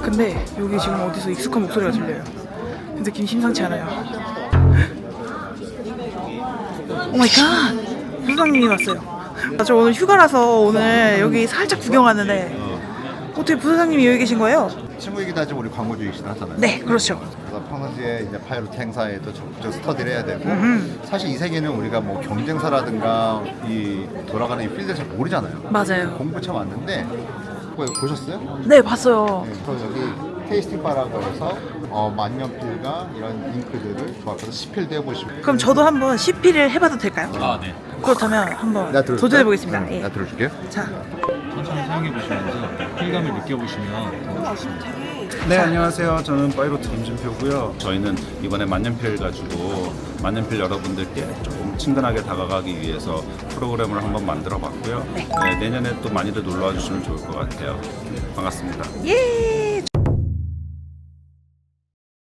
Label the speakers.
Speaker 1: 근데 여기 지금 어디서 익숙한 목소리가 들려요. 느낌 심상치 않아요. 오 마이 갓! 부사장님이 왔어요. 저 오늘 휴가라서 오늘 여기 살짝 구경 왔는데 어떻게 부사장님이 여기 계신 거예요?
Speaker 2: 친구이기도 하지만 우리 광고주이시긴 하잖아요.
Speaker 1: 네, 그렇죠.
Speaker 2: 그래서 평상시에 이제 파이로트 행사에도 적극적 스터디를 해야 되고 사실 이 세계는 우리가 뭐 경쟁사라든가 이 돌아가는 이 필드 잘 모르잖아요.
Speaker 1: 맞아요.
Speaker 2: 공부 참 왔는데 그거 보셨어요?
Speaker 1: 네, 봤어요.
Speaker 2: 네, 그래서 여기 테이스팅 바라고 해서 만년필과 이런 잉크들을 조합해서 시필도 해보시고.
Speaker 1: 그럼 저도 한번 CP를 해봐도 될까요?
Speaker 3: 아, 네.
Speaker 1: 그렇다면 한번
Speaker 2: 내가 들어줄까요?
Speaker 1: 도전해보겠습니다.
Speaker 2: 응,
Speaker 1: 예.
Speaker 2: 내가 들어줄게요.
Speaker 1: 자,
Speaker 3: 천천히 사용해 보시면서 필감을 느껴보시면 더 좋습니다.
Speaker 4: 네, 안녕하세요. 저는 파이로트 김진표고요. 저희는 이번에 만년필 가지고 만년필 여러분들께 조금 친근하게 다가가기 위해서 프로그램을 한번 만들어 봤고요. 네, 내년에 또 많이들 놀러와 주시면 좋을 것 같아요. 반갑습니다.
Speaker 1: 예!